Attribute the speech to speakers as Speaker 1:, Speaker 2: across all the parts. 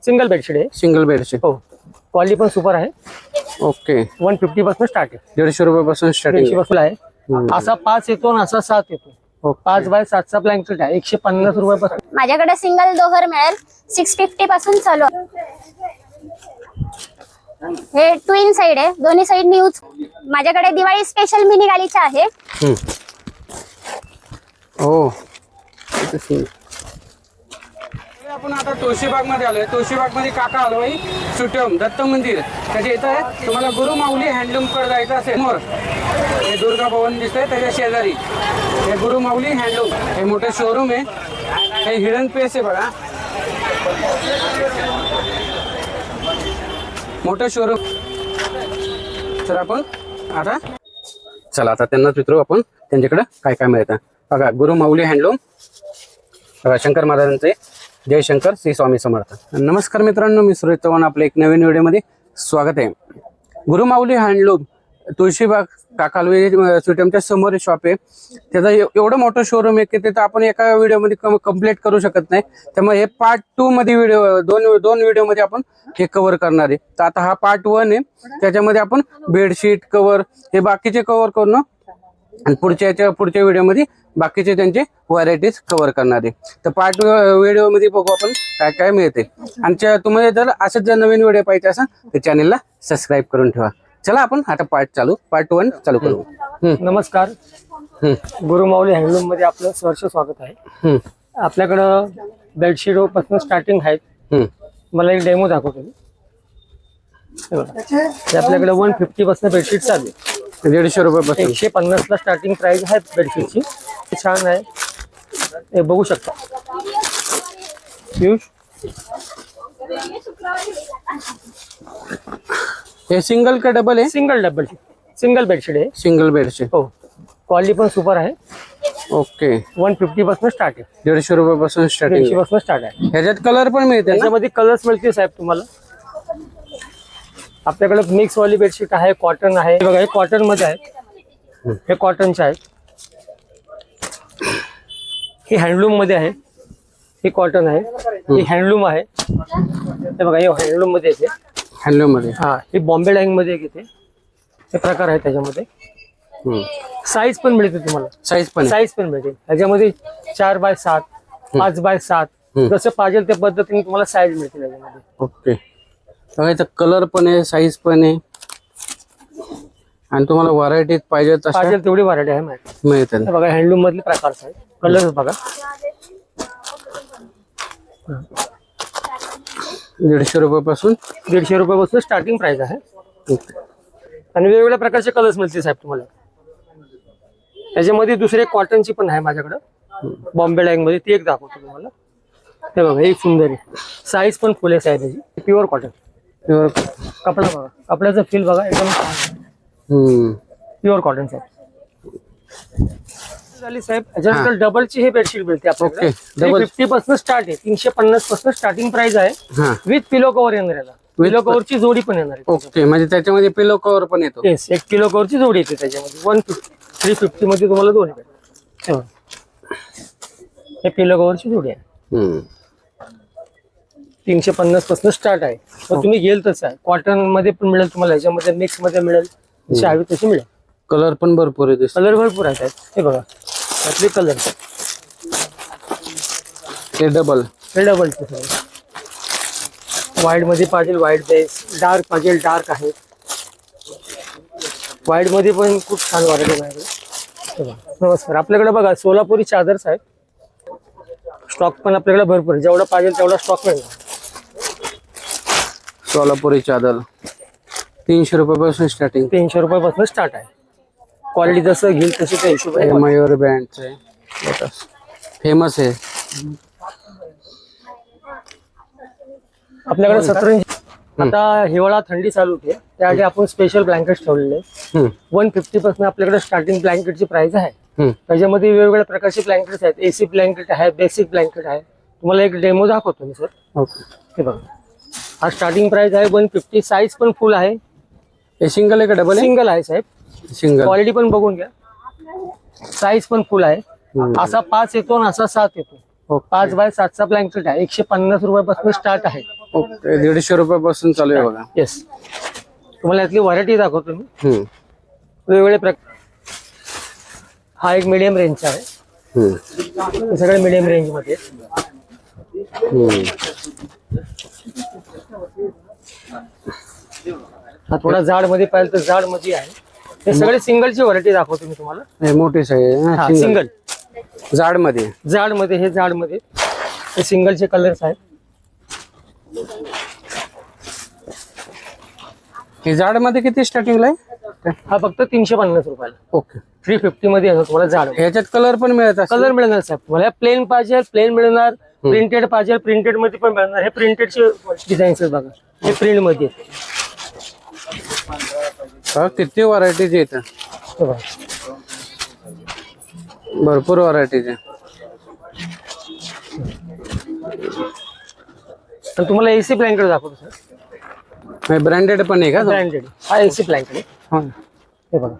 Speaker 1: Single bedsheet आहे.
Speaker 2: Single bedsheet.
Speaker 1: हो, quality पण सुपर आहे.
Speaker 2: ओके.
Speaker 1: 150 पासून स्टार्ट आहे.
Speaker 2: 150 रुपयापासून स्टार्टिंग
Speaker 1: 150 पासून आहे. असा 5 येतो आणि असा 7 येतो. 5 बाय 7चा ब्लँकेट आहे 150 रुपयापासून.
Speaker 3: माझ्याकडे सिंगल दोहर मिळेल 650 पासून चालू आहे. हे ट्विन साइड आहे, दोन्ही साइड यूज. माझ्याकडे दिवाळी स्पेशल मिनी गालीचा आहे.
Speaker 2: हो. आपण आता तुळशीबाग मध्ये आलोय. तुळशीबाग मध्ये काका आलोय. सुटम दत्त मंदिर त्याच्या इथं आहे. तुम्हाला गुरु माऊली हँडलूम कडे जायचं असेल समोर हे दुर्गा भवन दिसतंय त्याच्या शेजारी हे गुरु माऊली हँडलूम हे मोठं शोरूम आहे. हे हिडन प्लेस आहे बघा, मोठं शोरूम. तर आपण आता चला आता त्यांनाच विचारू आपण त्यांच्याकडे काय काय मिळतं. बघा गुरु माऊली हँडलूम, बघा शंकर महाराजांचे. जय शंकर, श्री स्वामी समर्थ. नमस्कार मित्रांनो, मी सुरेश चव्हाण. आपल्या एक नवीन व्हिडिओमध्ये स्वागत आहे. गुरु माऊली हँडलूम तुळशीबाग काकालवे सुटमच्या समोर शॉप आहे. त्याचा एवढं मोठं शोरूम आहे की तिथं आपण एका व्हिडिओमध्ये कंप्लीट करू शकत नाही. त्यामुळे हे पार्ट 2 मध्ये व्हिडिओ दोन व्हिडिओमध्ये आपण हे कव्हर करणार आहे. तर आता हा पार्ट 1 आहे. त्याच्यामध्ये आपण बेडशीट कव्हर हे बाकीचे कव्हर करून आणि पुढच्या व्हिडिओमध्ये बाकीचे त्यांचे व्हरायटीज कव्हर करणार आहे. तर पार्ट व्हिडिओमध्ये बघू आपण काय काय मिळते. आणि तुम्हाला जर असंच जर नवीन व्हिडिओ पाहिजे असेल तर चॅनलला सबस्क्राईब करून ठेवा. चला आपण आता पार्ट 1 चालू करू.
Speaker 1: नमस्कार. गुरु माऊली हँडलूम मध्ये आपलं सहर्ष स्वागत आहे. आपल्याकडं बेडशीट पासून स्टार्टिंग आहेत. मला एक डेमो दाखवतो मी. आपल्याकडे 150 पासून बेडशीट चालू आहे.
Speaker 2: 150 रुपयापासून
Speaker 1: 150 ला स्टार्टिंग प्राइस आहे बेडशीटची. छान आहे, हे बघू शकता.
Speaker 2: हे सिंगल का डबल आहे?
Speaker 1: सिंगल बेडशीट आहे.
Speaker 2: Single bedsheet.
Speaker 1: हो, क्वालिटी पण सुपर आहे.
Speaker 2: ओके.
Speaker 1: 150 पासून स्टार्ट आहे.
Speaker 2: 150 रुपयापासून स्टार्टिंग.
Speaker 1: 150 पासून स्टार्ट आहे.
Speaker 2: ह्याच्यात कलर पण मिळते.
Speaker 1: त्याच्यामध्ये कलर्स मिळतील साहेब तुम्हाला. आपल्याकडे मिक्स वाली बेडशीट आहे, कॉटन आहे. बघा हे कॉटन मध्ये आहे, हे कॉटनचे आहे. हे हँडलूम मध्ये आहे, हे कॉटन आहे. हे हँडलूम आहे. हे बघा हे हँडलूम मध्ये येते.
Speaker 2: हँडलूम मध्ये.
Speaker 1: हा, हे बॉम्बे डाईंग मध्ये येते. हे प्रकार आहे त्याच्यामध्ये. साईज पण मिळते तुम्हाला. साईज पण मिळते त्याच्यामध्ये. 4 बाय 7, 5 बाय 7 जसं पाहिजे त्या पद्धतीने तुम्हाला साईज मिळते त्याच्यामध्ये.
Speaker 2: ओके. बघा कलर पण आहे, साईज पण आहे आणि तुम्हाला व्हरायटी पाहिजे
Speaker 1: तेवढी व्हरायटी आहे
Speaker 2: मिळते.
Speaker 1: बघा हँडलूम मधले प्रकार आहेत. कलर बघा.
Speaker 2: 150 रुपयापासून
Speaker 1: स्टार्टिंग प्राइस आहे. आणि वेगवेगळ्या प्रकारचे कलर्स मिळतील साहेब तुम्हाला. त्याच्यामध्ये दुसरे कॉटनची पण आहे माझ्याकडे बॉम्बे डाईंग मध्ये. ती एक दाखवतो तुम्हाला. हे बघा एक सुंदर आहे. साईज पण फुल आहे साहेब त्याची. Pure cotton. कपडा बघा, कपड्याचं फील बघा एकदम प्युअर कॉटन साहेब. झाली साहेब. याच्यानंतर डबलची हे बेडशीट मिळते आपल्याकडे. 350 पासून स्टार्ट आहे. 350 पासून स्टार्टिंग प्राइस आहे. विथ पिलो कव्हर येणार याला. पिलो कव्हरची जोडी पण येणार आहे.
Speaker 2: ओके, म्हणजे त्याच्यामध्ये पिलो कव्हर पण येतो.
Speaker 1: येस, एक पिलो कव्हरची जोडी येते त्याच्यामध्ये. 350 मध्ये तुम्हाला दोन्ही भेटेल. हे पिलो कव्हरची जोडी आहे. 350 पासून स्टार्ट आहे. तर तुम्ही घेल तसं आहे. कॉटन मध्ये पण मिळेल तुम्हाला, ह्याच्यामध्ये मिक्स मध्ये मिळेल, जशी हवी तशी मिळेल.
Speaker 2: कलर पण भरपूर आहे.
Speaker 1: कलर भरपूर आहेत. हे बघा त्यातले कलर.
Speaker 2: हे डबल
Speaker 1: व्हाईट मध्ये पाहिजे व्हाईट बेस, डार्क पाहिजे डार्क आहे. व्हाईट मध्ये पण खूप छान व्हरायटी आहे. नमस्कार. आपल्याकडे बघा सोलापुरी चादर्स आहेत. स्टॉक पण आपल्याकडे भरपूर आहे. जेवढा पाहिजे तेवढा स्टॉक मिळणार.
Speaker 2: सोलापुरी चादर 300 रुपयापासून स्टार्टिंग.
Speaker 1: 300 रुपयापासून स्टार्ट आहे. क्वालिटी जसं घेईल तशी त्या हिशोबाने.
Speaker 2: मयूर ब्रँडचे फेमस आहे.
Speaker 1: आपल्याकडे 17 आता हिवाळा थंडी चालू होते त्यासाठी आपण स्पेशल ब्लँकेट ठेवलेले. 150 पासून आपल्याकडे स्टार्टिंग ब्लँकेटची प्राइस आहे. त्याच्यामध्ये वेगवेगळ्या प्रकारचे ब्लँकेट आहेत. एसी ब्लँकेट आहे, बेसिक ब्लँकेट आहे. तुम्हाला एक डेमो दाखवतो मी सर. हे बघा हा स्टार्टिंग प्राइस आहे 150. साईज पण फुल आहे.
Speaker 2: हे सिंगल आहे का डबल?
Speaker 1: सिंगल आहे साहेब.
Speaker 2: सिंगल.
Speaker 1: क्वालिटी पण बघून घ्या. साईज पण फुल आहे. असा 5 येतो आणि असा 7 येतो. 5 बाय 7चा ब्लँकेट आहे. 150 रुपयापासून स्टार्ट आहे.
Speaker 2: ओके 150 रुपयापासून चालू आहे बघा.
Speaker 1: येस, तुम्हाला यातली व्हरायटी दाखवतो मी.
Speaker 2: हम्म.
Speaker 1: वेगवेगळे प्रकार. हा एक मीडियम रेंजचा आहे. हे सगळे मीडियम रेंज मध्ये आहेत. हा थोडा जाड मध्ये पाहिजे तर जाड मध्ये आहे. हे सगळे सिंगलची व्हरायटी दाखवतो मी तुम्हाला.
Speaker 2: हे मोठी साईज
Speaker 1: सिंगल
Speaker 2: जाड मध्ये.
Speaker 1: जाड मध्ये हे जाड मध्ये हे सिंगलचे कलर्स आहेत.
Speaker 2: हे जाड मध्ये किती स्टार्टिंगला आहे?
Speaker 1: हा फक्त 350 रुपयाला.
Speaker 2: ओके
Speaker 1: 350 मध्ये आहे तुम्हाला जाड.
Speaker 2: ह्याच्यात कलर पण मिळत असेल?
Speaker 1: कलर मिळणार साहेब तुम्हाला. प्लेन पाहिजे प्लेन मिळणार, प्रिंटेड पाहिजे प्रिंटेड मध्ये पण मिळणार. हे प्रिंटेडचे डिझाईन्स आहेत बघा. हे प्रिंट मध्ये
Speaker 2: किती व्हरायटीज आहेत?
Speaker 1: हे बघा.
Speaker 2: भरपूर व्हरायटीज आहे.
Speaker 1: आणि तुम्हाला एसी ब्लँकेट दाखवतो सर.
Speaker 2: ब्रँडेड पण आहे का?
Speaker 1: ब्रँडेड. हा एसी ब्लँकेट आहे. हे बघा.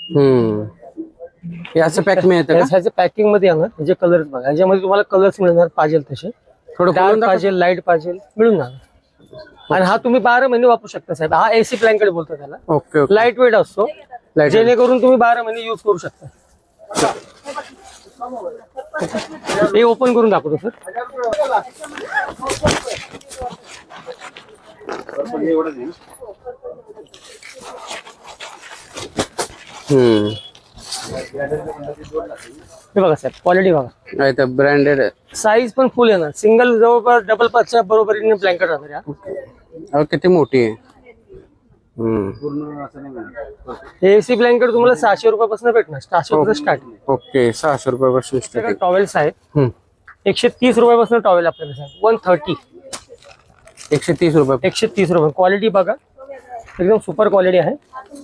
Speaker 2: हे असं पॅक मिळतं का?
Speaker 1: ह्याचे पॅकिंग मध्ये येणार. ह्याचे कलर्स बघा. ह्याच्यामध्ये तुम्हाला कलर्स मिळणार पाहिजे तसे.
Speaker 2: थोडं
Speaker 1: डार्क पाहिजे लाईट पाहिजे मिळून जाणार. आणि हा तुम्ही 12 महिने वापरू शकता साहेब. हा एसी ब्लँकेट बोलतो त्याला.
Speaker 2: Okay okay.
Speaker 1: लाईट वेट असतो जेणेकरून तुम्ही 12 महिने युज करू शकता. हे ओपन करून दाखवतो सर. हे बघा साहेब क्वालिटी बघा.
Speaker 2: ब्रँडेड
Speaker 1: साईज पण फुल येणार. सिंगल जवळपास डबल पाचच्या बरोबरीने ब्लँकेट राहणार.
Speaker 2: किती मोठी आहे.
Speaker 1: हे एसी ब्लँकेट तुम्हाला 600 रुपयापासून भेटणार. 600 रुपये स्टार्टिंग.
Speaker 2: ओके 600 रुपयापासून स्टार्टिंग.
Speaker 1: टॉवेल्स आहेत 130 रुपयापासून टॉवेल आपल्याकडे साहेब. 130.
Speaker 2: 130 रुपये.
Speaker 1: 130 रुपये. क्वालिटी बघा एकदम सुपर क्वालिटी आहे.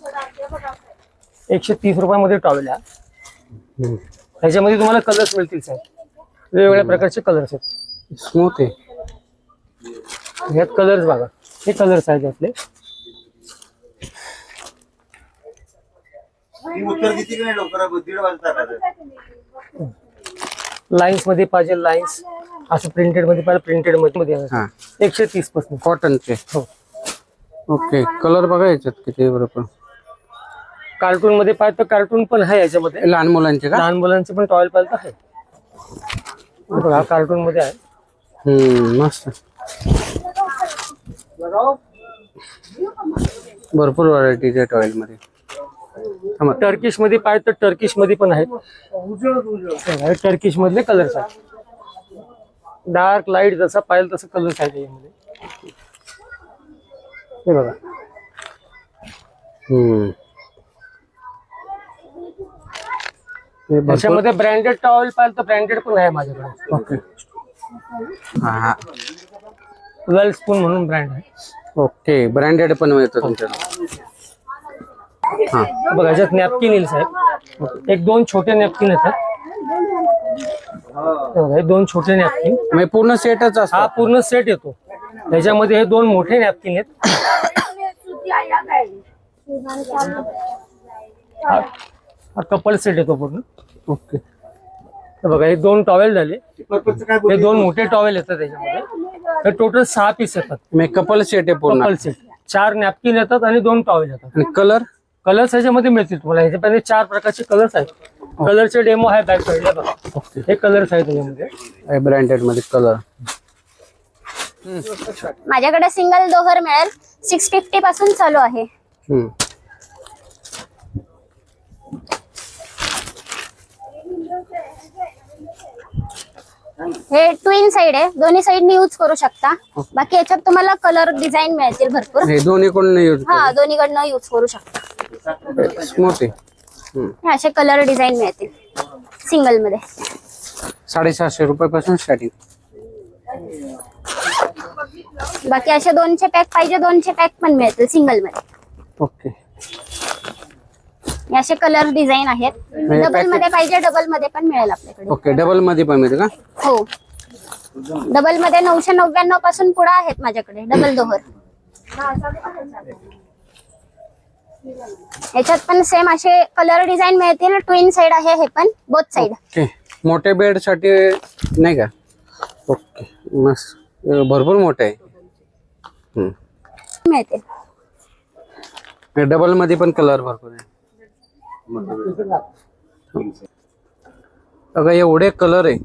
Speaker 1: 130 रुपयामध्ये टॉवेल आहे. ह्याच्यामध्ये तुम्हाला कलर्स मिळतील साहेब. वेगवेगळ्या प्रकारचे कलर्स आहेत.
Speaker 2: स्मूथ आहे.
Speaker 1: ह्यात कलर्स बघा. हे कलर्स आहेत यातले. लाईन्स मध्ये पाहिजे लाईन्स. असं प्रिंटेड मध्ये पाहिजे प्रिंटेड मध्ये येणार. 130 पासून
Speaker 2: कॉटनचे.
Speaker 1: हो.
Speaker 2: ओके कलर बघा याच्यात किती बरोबर.
Speaker 1: कार्टून मध्ये पाहिजे तर कार्टून पण आहे याच्यामध्ये.
Speaker 2: लहान मुलांचे का?
Speaker 1: लहान मुलांचे पण टॉवेल पाहिजे तर आहे. बघा कार्टून मध्ये आहे.
Speaker 2: मस्त. भरपूर व्हरायटीज आहे टॉवेल मध्ये.
Speaker 1: टर्किश मध्ये पाहिजे तर टर्किश मध्ये पण आहेत. टर्किश मधले कलर्स आहेत. डार्क लाईट जसा पाहिजे तसं कलर्स आहेत यामध्ये. हे बघा. त्याच्यामध्ये ब्रँडेड टॉवेल पाहिजे तर ब्रँडेड पण आहे माझ्याकडे.
Speaker 2: ओके.
Speaker 1: वेल स्पून म्हणून ब्रँड आहे.
Speaker 2: ओके ब्रँडेड पण मिळतं तुमच्याकडे.
Speaker 1: बघा याच्यात नॅपकिन येईल साहेब. एक 2 छोटे नॅपकिन येतात. हे 2 छोटे नॅपकिन.
Speaker 2: पूर्ण सेटच असतो.
Speaker 1: हा पूर्ण सेट येतो. त्याच्यामध्ये हे 2 मोठे नॅपकिन आहेत. हा कपल सेट येतो पूर्ण.
Speaker 2: ओके.
Speaker 1: बघा हे 2 टॉवेल झाले. हे 2 मोठे टॉवेल येतात त्याच्यामध्ये. हे टोटल 6 पीस येतात.
Speaker 2: कपल सेट आहे पूर्ण.
Speaker 1: Couple set. 4 नॅपकिन येतात आणि 2 टॉवेल येतात.
Speaker 2: आणि कलर
Speaker 1: कलर्स ह्याच्यामध्ये मिळतील तुम्हाला. ह्याच्यामध्ये 4 प्रकारचे कलर्स आहेत. कलरचे डेमो आहे बॅक साईडला बघा. हे कलर्स आहेत त्याच्यामध्ये.
Speaker 2: ब्रँडेड मध्ये कलर.
Speaker 3: माझ्याकडे सिंगल दोहर मिळेल. 650 पासून चालू आहे. हे ट्विन साइड आहे. दोन्ही साइडनी यूज करू शकता. बाकी याच्यात तुम्हाला कलर डिझाईन मिळतील भरपूर.
Speaker 2: हे दोन्ही कोण यूज?
Speaker 3: हा दोन्हीकडनं यूज करू शकता.
Speaker 2: स्मूथ आहे.
Speaker 3: हे असे कलर डिझाईन मिळतील सिंगल मध्ये.
Speaker 2: 750 रुपयापासून स्टार्टिंग.
Speaker 3: बाकी असे 200 पॅक पाहिजे 200 पॅक पण मिळतील सिंगल मध्ये.
Speaker 2: ओके.
Speaker 3: हे असे कलर डिझाईन आहेत. डबल मध्ये पाहिजे डबल मध्ये पण मिळेल आपल्याकडे.
Speaker 2: ओके डबल मध्ये पण मिळते का?
Speaker 3: हो डबल मध्ये 999 पासून पुढे आहेत माझ्याकडे डबल दोहर. याच्यात पण सेम असे कलर डिझाईन मिळतील. ट्विन साइड आहे हे पण बोथ साइड.
Speaker 2: ओके. मोठे बेड साठी नाही का? ओके मस्त. भरपूर मोठे आहे.
Speaker 3: मिळते.
Speaker 2: डबल मध्ये पण कलर भरपूर आहे. बघा एवढे कलर आहे.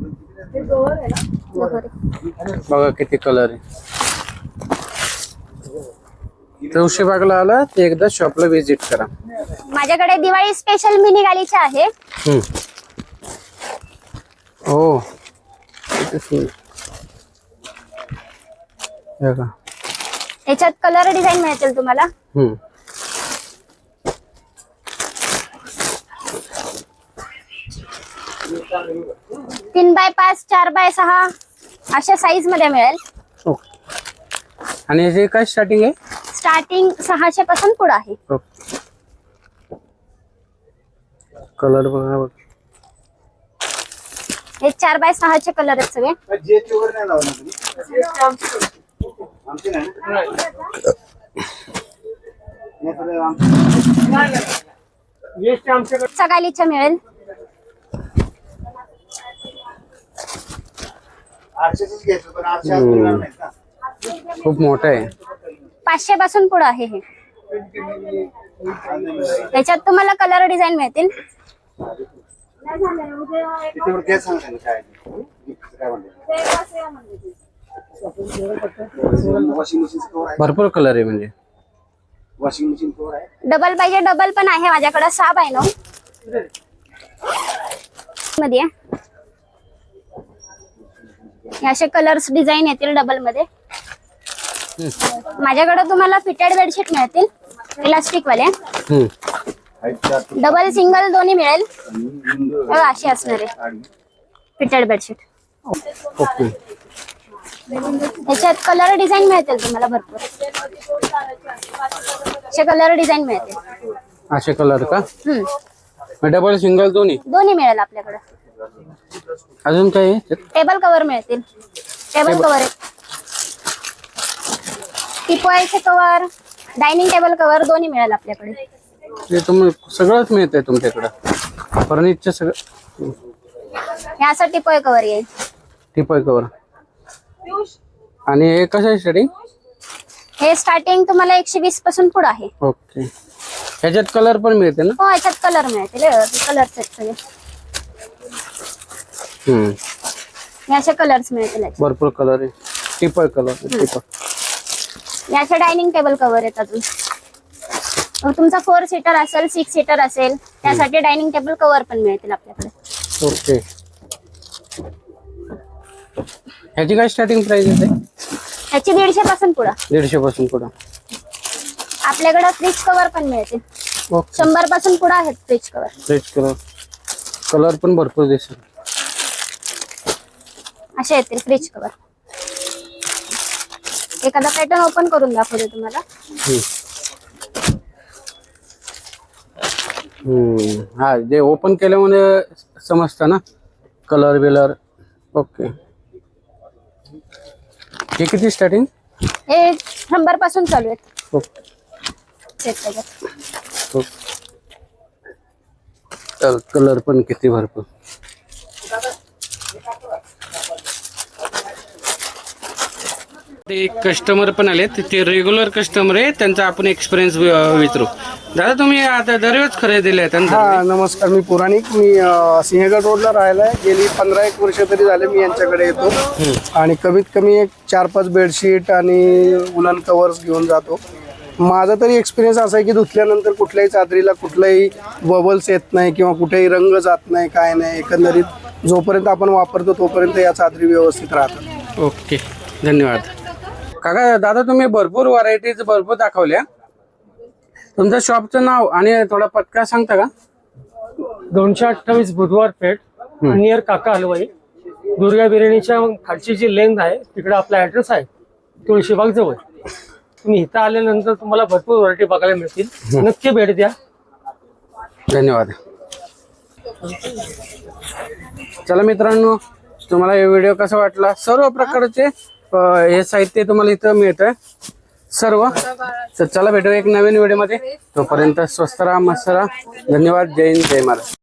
Speaker 2: बघा किती कलर आहे. तुळशीबागला आला ते एकदा शॉपला व्हिजिट करा.
Speaker 3: माझ्याकडे दिवाळी स्पेशल मिनी गालीचे आहे.
Speaker 2: हो बघा
Speaker 3: याच्यात कलर डिझाईन मिळतील तुम्हाला. 3x5 4x6 अशा साईज मध्ये मिळेल.
Speaker 2: आणि याची काय स्टार्टिंग आहे?
Speaker 3: स्टार्टिंग 600 पासून पुढे आहे.
Speaker 2: कलर बघा.
Speaker 3: हे 4x6 चे कलर आहेत सगळे. गालीच्या मिळेल.
Speaker 2: खूप मोठं आहे.
Speaker 3: 500 पासून पुढे आहे हे. याच्यात तुम्हाला कलर डिझाईन मिळतील.
Speaker 2: भरपूर कलर आहे म्हणजे.
Speaker 4: वॉशिंग मशीन कवर आहे.
Speaker 3: डबल पाहिजे डबल पण आहे माझ्याकडे. 6x9 मध्ये असे कलर्स डिझाईन येतील डबल मध्ये. माझ्याकडे तुम्हाला फिटेड बेडशीट मिळतील इलास्टिक वाले. डबल सिंगल दोन्ही मिळेल. अशी असणार आहे फिटेड बेडशीट.
Speaker 2: ओके.
Speaker 3: याच्यात कलर डिझाईन मिळतील तुम्हाला भरपूर. असे कलर डिझाईन मिळतील.
Speaker 2: असे कलर का? डबल सिंगल दोन्ही
Speaker 3: मिळेल आपल्याकडे.
Speaker 2: अजून काय?
Speaker 3: टेबल कव्हर मिळतील. टेबल कव्हर टिपॉयचे कव्हर, डायनिंग टेबल कव्हर दोन्ही मिळेल आपल्याकडे.
Speaker 2: सगळंच मिळतंय तुमच्याकडे फर्निचर सगळं.
Speaker 3: हे असं टिपॉय कव्हर येईल.
Speaker 2: Teapoy cover. आणि हे कसं आहे स्टार्टिंग?
Speaker 3: हे स्टार्टिंग तुम्हाला 120 पासून पुढे आहे.
Speaker 2: ओके. ह्याच्यात कलर पण मिळते ना?
Speaker 3: हो याच्यात कलर मिळतील. कलर सेट सगळे. हे असे कलर्स मिळतील.
Speaker 2: भरपूर कलर आहे. Teapoy colour.
Speaker 3: याचे डायनिंग टेबल कव्हर आहेत. अजून तुमचा 4 सीटर असेल 6 सीटर असेल त्यासाठी डायनिंग टेबल कव्हर पण मिळतील आपल्याकडे.
Speaker 2: ओके. ह्याची काय स्टार्टिंग प्राइस आहे?
Speaker 3: ह्याची 150 पासून पुढे.
Speaker 2: 150 पासून पुढे.
Speaker 3: आपल्याकडे फ्रिज कव्हर पण मिळतील. 100 पासून पुढे आहेत fridge cover.
Speaker 2: Fridge colour. Colour पण भरपूर दिसेल.
Speaker 3: असे येतील फ्रिज कव्हर. एखादा पॅटर्न ओपन करून दाखवते तुम्हाला.
Speaker 2: हा जे ओपन केल्यामुळे समजतं ना कलर बिलर. ओके. हे किती स्टार्टिंग?
Speaker 3: हे 100 पासून चालू आहेत.
Speaker 2: कलर पण किती भरपूर. ते कस्टमर पण आलेत. ते रेग्युलर कस्टमर आहे. त्यांचा आपण एक्सपिरियन्स विचारू. दादा तुम्ही आता दरवेळेस खरेदीला आहे?
Speaker 4: हा नमस्कार. मी पुराणिक. मी सिंहगड रोडला राहिला आहे. गेली 15-1 वर्ष तरी झाले मी यांच्याकडे येतो. आणि कमीत कमी एक 4-5 बेडशीट आणि उलन कव्हर्स घेऊन जातो. माझा तरी एक्सपिरियन्स असा आहे की धुतल्यानंतर कुठल्याही चादरीला कुठलाही बबल्स येत नाही किंवा कुठेही रंग जात नाही, काय नाही. एकंदरीत जोपर्यंत आपण वापरतो तोपर्यंत या चादरी व्यवस्थित राहतात.
Speaker 2: ओके. धन्यवाद. काका दादा तुम्ही भरपूर व्हरायटीज भरपूर दाखवल्या. तुमच्या शॉपचं नाव आणि थोडा पत्ता सांगता का?
Speaker 1: 228 बुधवार पेठ नियर काका हलवाई. दुर्गा बिर्याणीच्या खालची जी लेंथ आहे तिकडे आपला ऍड्रेस आहे. तुळशीबाग जवळ. तुम्ही इथं आल्यानंतर तुम्हाला भरपूर व्हरायटी बघायला मिळतील. नक्की भेट द्या.
Speaker 2: धन्यवाद. चला मित्रांनो तुम्हाला हे व्हिडिओ कसा वाटला? सर्व प्रकारचे हे साहित्य तुम्हाला इथं मिळतंय सर्व. तर चला भेटू एक नवीन व्हिडिओ मध्ये. तोपर्यंत स्वस्त राहा, मस्त राहा. धन्यवाद. जय हिंद, जय महाराष्ट्र.